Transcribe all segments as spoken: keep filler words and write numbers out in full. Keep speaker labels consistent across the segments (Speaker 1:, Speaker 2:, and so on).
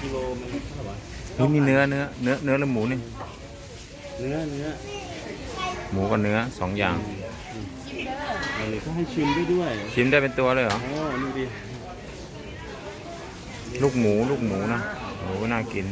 Speaker 1: กิโลมันเท่าไหร่วะ
Speaker 2: นี่นี่เนื้อเนื้อเนื้อเนื้อหรือหมูนี่
Speaker 1: เนื้อเนื้อ
Speaker 2: หมูกับเนื้อสองอย่าง
Speaker 1: เออเขาให้ชิมด้วยด้วย
Speaker 2: ชิมได้เป็นตัวเลยเหรอ
Speaker 1: โอ้นี่ดิ
Speaker 2: ลูกหมูลูกหมูนะโอ้น่ากิน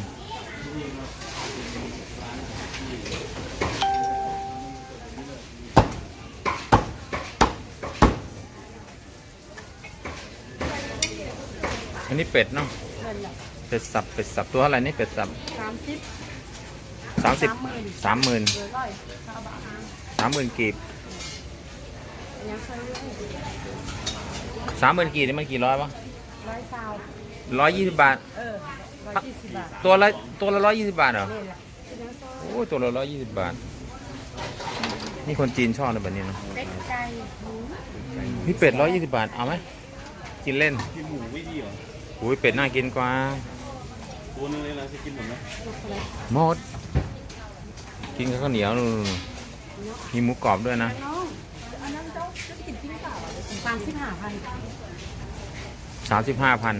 Speaker 2: อันนี้เป็ดเนาะเป็ดสับเป็ดสับตัวเท่าไหร่นี่เป็ดสับ
Speaker 3: สามสิบ
Speaker 2: สามสิบสามหมื่น
Speaker 3: เดือร้อยข้าวบะฮาง
Speaker 2: สามหมื่นกีบ
Speaker 3: ยังเคยรู้
Speaker 2: สามหมื่นกีบนี่มันกี่ร้อยวะ
Speaker 3: ร้อยซาว
Speaker 2: ร้อยยี่สิบบาท
Speaker 3: เออร้อยยี่สิบบาท
Speaker 2: ตัวละตัวละร้อยยี่สิบบาทเหรอ
Speaker 3: นี่แหละเป็นยังซอย
Speaker 2: โอ้ยตัวละร้อยยี่สิบบาทนี่คนจีนชอบเลยแบบนี้เนาะ
Speaker 3: เป็ดไก่หมู
Speaker 2: นี่เป็ดร้อยยี่สิบบาทเอาไหมกินเล่น
Speaker 1: กินหมูไม่ดีเหรอ
Speaker 2: อุ้ยเป็ดน่ากินกว่า
Speaker 1: ตัวนึงเลยนะจะกินหมดไหม
Speaker 3: ลูกอะไร
Speaker 2: หมดกินกับข้าวเหนียวนู่นๆมีหมูกรอบด้วยนะ
Speaker 3: น้องอันนั้นเจ้าจะกินจริงเปล่าสามสิบห้าพัน
Speaker 2: สามสิบห้าพัน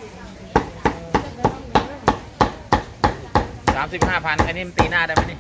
Speaker 2: สามสิบห้าพันอันนี้มันตีหน้าได้ไหมนี่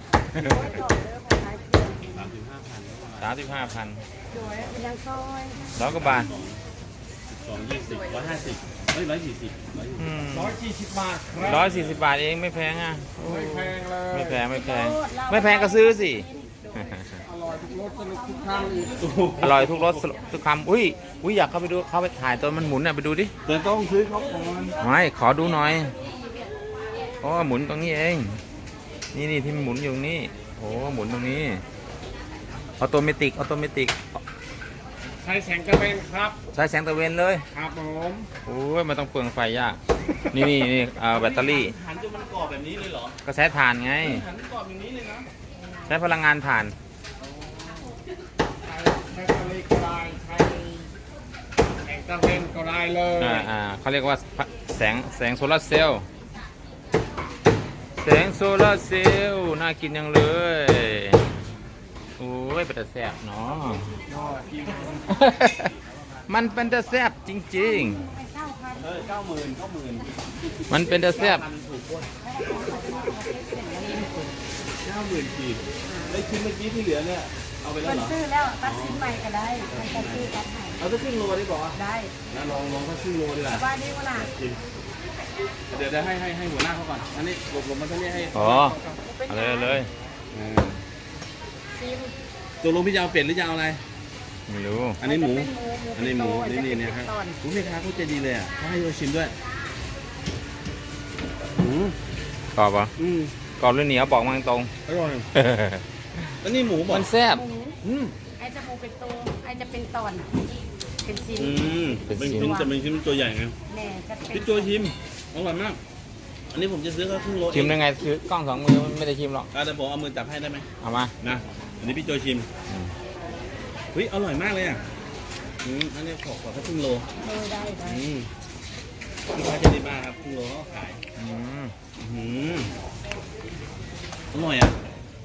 Speaker 1: สามสิบห้าพัน
Speaker 2: สามสิบห้าพัน
Speaker 3: โดยเป็นยังซอย
Speaker 2: ร้อยกว่าบาท
Speaker 1: สองยี่สิบร้อยห้าสิบเฮ้ยร้อยสี่สิบร้อยยี่สิบ
Speaker 4: ร้อยสี่สิบบาทครับ
Speaker 2: ร้อยสี่สิบบาทเองไม่แพงอ่ะ
Speaker 4: ไม่แพงเลย
Speaker 2: ไม่แพงไม่แพงไม่แพงก็ซื้อสิ
Speaker 4: อร่อยทุกรสสนุกทุกครั้งอีก
Speaker 2: อร่อยทุกรสทุกคำอุ้ยอุ้ยอยากเข้าไปดูเข้าไปถ่ายตอนมันหมุนน่ะไปดูดิ
Speaker 1: แต่ต้องซื้อเขาก่อน
Speaker 2: ไม่ขอดูหน่อยโอ้หมุนตรงนี้เอง นี่นี่ที่มันหมุนอยู่ตรงนี้โอ้หมุนตรงนี้ออโตเมติกออโตเมติก
Speaker 4: ใช้แสงกระเบนครับ
Speaker 2: ใช้แสงตะเวนเลย
Speaker 4: ครับผม
Speaker 2: โอ้ยมันต้องเปลืองไฟยาก นี่นี่นี่เอาแบตเตอรี่
Speaker 1: หันจนมันกรอบแบบนี้เลยเหรอ
Speaker 2: ก็ใช้ถ่านไง
Speaker 1: หันกรอบอย่างนี้เลยนะ
Speaker 2: ใช้พลังงานถ่าน
Speaker 4: ใช้แบตเตอรี่ก็ได้ใช้แสงกระเบนก็ได้เลย
Speaker 2: อ่าอ่าเขาเรียกว่าแสงแสงโซลาร์เซลล์แสงโซลาร์เซลล์น่ากินยังเลยโอ้ยเป็นแต่แซ่บเนาะ มันเป็นแต่แซ่บจริง
Speaker 3: เก้าพัน
Speaker 1: เออเก้าหมื่นเก้าหมื่น
Speaker 2: ๆ มันเป็นแต่แซ่บ
Speaker 1: พันถูกกว่าเก้าหมื่นกีบไอ้ชิ้นเมื่อกี้ที่เหลือเนี่ยเอาไปแล้
Speaker 3: มั
Speaker 1: วน เหรอ
Speaker 3: ซื้อแล้วตัดสินใหม่ก็ได้มันจะซื้อตัดใหม่
Speaker 1: เอาสักครึ่งโลได้บอก
Speaker 3: ได้
Speaker 1: นะลองลองสักครึ่งโลดีกว่า
Speaker 3: ว่าดีว่าล่ะ
Speaker 1: จริงเดี๋ยวเดี๋ยวให้ให้ให้หัวหน้าเขาก่อนอันนี้หลบหลบมาตรงนี้ให้
Speaker 2: อ๋อเอาเลยเอาเลย
Speaker 1: เออ
Speaker 3: ซิม
Speaker 1: ตัวลงพี่จะเอาเป็ดหรือจะเอาอะไร
Speaker 2: ไม่รู้
Speaker 1: อันนี้หมู
Speaker 3: เป็น
Speaker 1: อันนี้หมูนี่นี่เนี่ยครับ
Speaker 3: ตอน
Speaker 1: ผมแม่ค้าเขาใจดีเลยอ่ะเขาให้เราชิมด้วยอืม
Speaker 2: กรอบเหรอ
Speaker 1: อืม
Speaker 2: กรอบหรือเหนียวบอกมาตรง
Speaker 1: อร่อยแล้วนี่หมูบอก
Speaker 2: มันแซ่บ
Speaker 3: หมู
Speaker 1: อืม
Speaker 3: ไอจะหมูเป็นตัวไอจะเป็นตอน เป็นชิ้น
Speaker 1: อืมเป็นชิ้นแต่เป็นชิ้นตัวใหญ่ไง
Speaker 3: แม่จะเป็น
Speaker 1: พี่โจชิมอร่อยมาก อันนี้ผมจะซื้อเขาครึ่งโล
Speaker 2: ชิมได้ไงซื้อกล้องสองมือไม่ได้ชิมหรอก
Speaker 1: อ่ะแต่ผมเอามือจับให้ได้ไหม
Speaker 2: เอามา
Speaker 1: นะอันนี้พี่โจชิม
Speaker 2: อืม
Speaker 1: เฮ้ยอร่อยมากเลยอ่ะอืมอันนี้ขอขอแค่ครึ่งโล
Speaker 3: เออได้ได้
Speaker 1: อืมลูกค้าจะดีมากครับครึ่งโลเขาขาย
Speaker 2: อืม
Speaker 1: อืมอร่อยอ่ะ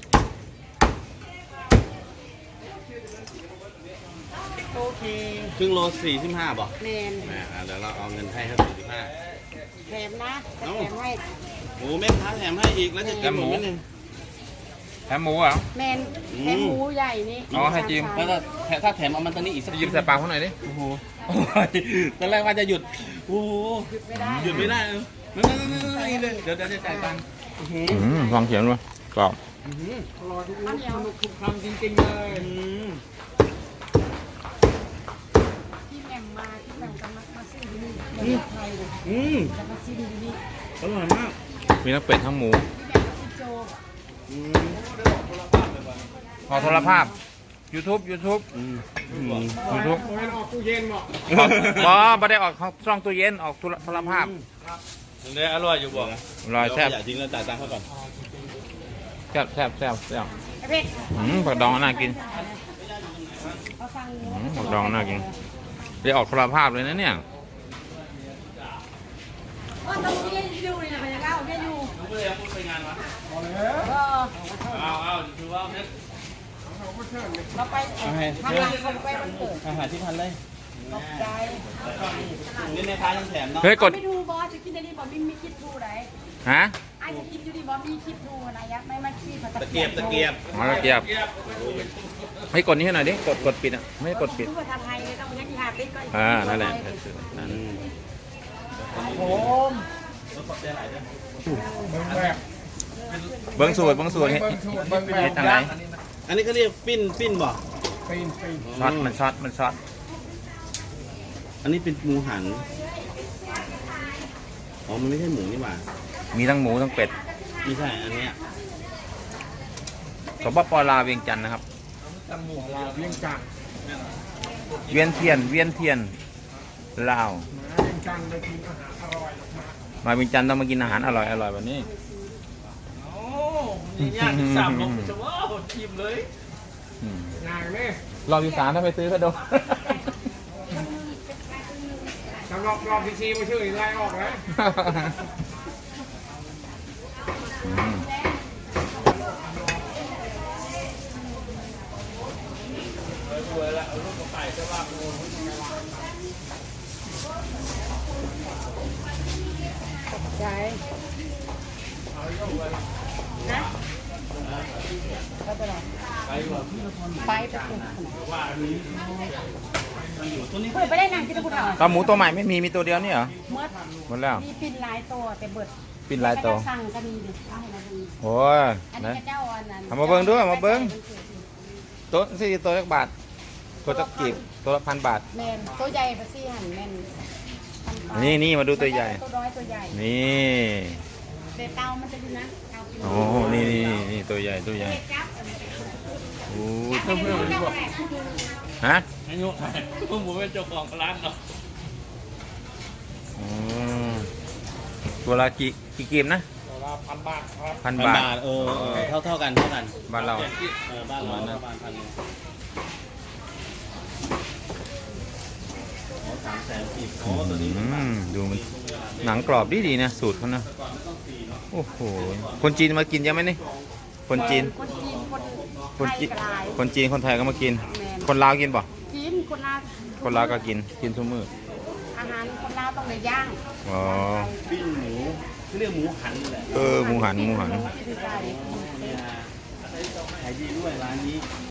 Speaker 3: โอเค
Speaker 1: ครึ่งโลสี่สิบห้าบอก
Speaker 3: แมน
Speaker 1: แหมอ่ะเดี๋ยวเราเอาเงินให้เขาสี่สิบห้า
Speaker 3: แถมนะจะแถมให้
Speaker 1: โอ้แม่ค้าแถมให้อีกแล้วจะกินหมดไหมเนี่ย
Speaker 2: แถมหมูเหรอ
Speaker 3: แมนแถมหมูใหญ่นี่
Speaker 2: อ๋อให้จิ้ม
Speaker 1: ถ้าถ้าถ้าแถมเอามันตอนนี้อีกสัก
Speaker 2: ไปยิ้มใส่ปากเขาหน่อยดิ
Speaker 1: โอ้โหโอ้ยตอนแรกว่าจะหยุดโอ้โห
Speaker 3: หยุดไม่ได้
Speaker 1: หยุดไม่ได้เลยนั่นนั่นนั่นนั่นเลยเดี๋ยวเดี๋ยวจะจ่ายตังค์อื้อหือ
Speaker 2: อืมฟังเสียงด้วยกรอบ
Speaker 1: อื้อหือ
Speaker 4: อร่อยทุกรสสนุกทุกครั้งจริงๆเลย
Speaker 1: อื้อหือ
Speaker 3: ที่แหม่มมาที่แหม่มจะมามาซื้อที่นี่แหม่มไทยเลย
Speaker 1: อืม
Speaker 3: จะมาซื้อที่นี่
Speaker 1: อร่อยมาก
Speaker 2: มีทั้งเป็ดทั้งหมู
Speaker 3: ที่แหม่มกับพี่โจ
Speaker 1: อืม
Speaker 2: ขอโทรภาพ YouTube YouTube
Speaker 1: อืมอืม
Speaker 2: YouTube
Speaker 4: โอ้ยออกตู้เย็นเหมาะ
Speaker 2: บอไม่ได้ออกช่องตู้เย็นออกโทรโทรภาพ
Speaker 1: อันนี้อร่อยอยู่บอก
Speaker 2: อร่อยแซ่บ
Speaker 1: อย่าทิ้งแล้วจ่ายตังค์เขาก่อน
Speaker 2: แซ่บแซ่บแซ่บแซ่บ
Speaker 3: ไอ้เพ็ก
Speaker 2: อืมผักดองน่ากิน
Speaker 3: เขาฟัง
Speaker 2: อืมผักดองน่ากินได้ออกโทรภาพเลยนะเนี่ย
Speaker 3: ว่าต้องเรียนอยู่นี่นะพยาเก้าเรียนอยู่
Speaker 1: ผมก็เลยเอาไปงานวะ
Speaker 3: ก็
Speaker 1: เอาเอาถือว่าเนี่ย
Speaker 3: เราไปทำงานคนไปวันเกิด
Speaker 1: อาหารที่พันเลย
Speaker 3: ตกใจ
Speaker 1: นี่ในท้ายยังแถมเนาะ
Speaker 2: เฮ้ยกด
Speaker 3: ไม่ดูบอสจะกินได้ดีบอสไม่มีคิดดูไหน
Speaker 2: ฮะ
Speaker 3: ไอ้จะกินอยู่ดีบอสมีคิดดูนะยักษ์ไม่มาขี้ผัด
Speaker 1: ตะเกียบตะเกียบ
Speaker 2: อ๋อตะเกียบให้กดนี้ให้หน่อยดิกดกดปิดอ่ะไม่ให้กดปิด
Speaker 3: ดูภาษาไทยเลยต้องยักษ์ที่หาติ๊กก็
Speaker 2: อ่านั่นแหละ
Speaker 4: ผม เบิ่งแบบ
Speaker 2: เบิ้งสูตรเบิ้งสูตรให้
Speaker 4: เบิ่งสูตรเบิ่งแบบ
Speaker 2: ให้ทางไหน
Speaker 1: อันนี้เขาเรียกปิ้นปิ้นบ่
Speaker 4: ปีนปีน
Speaker 2: ช็อตมันช็อตมันช็อต
Speaker 1: อันนี้เป็นหมูหันอ๋อมันไม่ใช่หมูนี่หว่า
Speaker 2: มีทั้งหมูทั้งเป็ด
Speaker 1: ไม่ใช่อันเนี้ย
Speaker 2: สปปลาวเวียงจันทร์นะครับ
Speaker 4: ตำหมูลาวเวียงจันทร์
Speaker 2: เวียนเทียนเวียนเทียนลาว
Speaker 4: มาเวียงจันทร์ไปกินอาหารอร่อยมาก
Speaker 2: มาเวียงจันทร์ต้องมากินอาหารอร่อยอร่อยแบบนี้
Speaker 1: โอ้ยยากสามลงจะว่าชิมเลย
Speaker 2: อืม
Speaker 4: งานนี่
Speaker 2: รอบที่สามถ้าไปซื้อก็โดน
Speaker 4: สำหรับรอบที่สี่มาชื่อไล่ออกแล้ว
Speaker 2: อืม
Speaker 3: ตกใจนะก็จะหรอ
Speaker 1: ไปว่ะพี่ละคร
Speaker 3: ไปไปถูก
Speaker 1: ว่าอันนี้มันอยู่ตัวนี้
Speaker 3: เปิดไปได้นางที่ตะกุดเอา
Speaker 2: ปลาหมูตัวใหม่ไม่มีมีตัวเดียวนี่เหรอ
Speaker 3: เมื่อ
Speaker 2: หมดแล้ว
Speaker 3: มีปิ่นลายตัวแต่เบิด
Speaker 2: ปิ่นลายตัว
Speaker 3: สั่งก็มีดิเอาให้มาดู
Speaker 2: โอ้ย
Speaker 3: อัน
Speaker 2: นะ
Speaker 3: นี้ก็เจ้าอันนั้น
Speaker 2: เอามาเบิ่งด้วยเอามาเบิ่ง ตัวสี่ตัวละบาท ตัวจะกีบตัวละพันบาท
Speaker 3: แมนตัวใหญ่ปะซี่หันแมน
Speaker 2: นี่นี่มาดูตัวใหญ่
Speaker 3: ตัวน้อยตัวใหญ่
Speaker 2: นี่
Speaker 3: แต่เตามันจะอยู่นะเตากิน
Speaker 2: โอ้นี่นี่นี่นี่ตัวใหญ่ตัวใหญ่โอ้ย
Speaker 3: เพื่อนดีกว่า
Speaker 2: ฮะ
Speaker 1: ให้ยกให้พวกผมเป็นเจ้าของร้านเนาะ
Speaker 2: อืมตัวละกี่กี่กีบนะ
Speaker 4: ตัวละพันบาทครับ
Speaker 2: พัน
Speaker 1: พัน
Speaker 2: บาท
Speaker 1: บาทเออเออเท่าเท่ากันเท่ากัน
Speaker 2: บ้านเรา
Speaker 1: เออบ้านเราประมาณพันหนึ่งอ๋อสามแสนสิบอ๋อตัวนี้
Speaker 2: อืมดูมันหนังกรอบดีดีๆนะสูตรเขานะโอ้โหคนจีนมากินเยอะไหมนี่คนจีน
Speaker 3: คนจีนคน
Speaker 2: คน
Speaker 3: ไทย
Speaker 2: จีน
Speaker 3: กลาย
Speaker 2: คนจีนคนไทยก็มากิน
Speaker 3: แมน
Speaker 2: คนลาวกินป่ะ
Speaker 3: กินคนลาว
Speaker 2: คนลาวก็กินกินทุกมื้อ
Speaker 3: อาหารคนลาวต้องในย่าง
Speaker 2: อ๋อ
Speaker 1: ปิ้งหมูเขาเรียกหมูหันนี่แหละ
Speaker 2: เออหมูหันหมูหัน
Speaker 3: ที่ใส่
Speaker 1: เนี่ยขายดีด้วยร้านนี้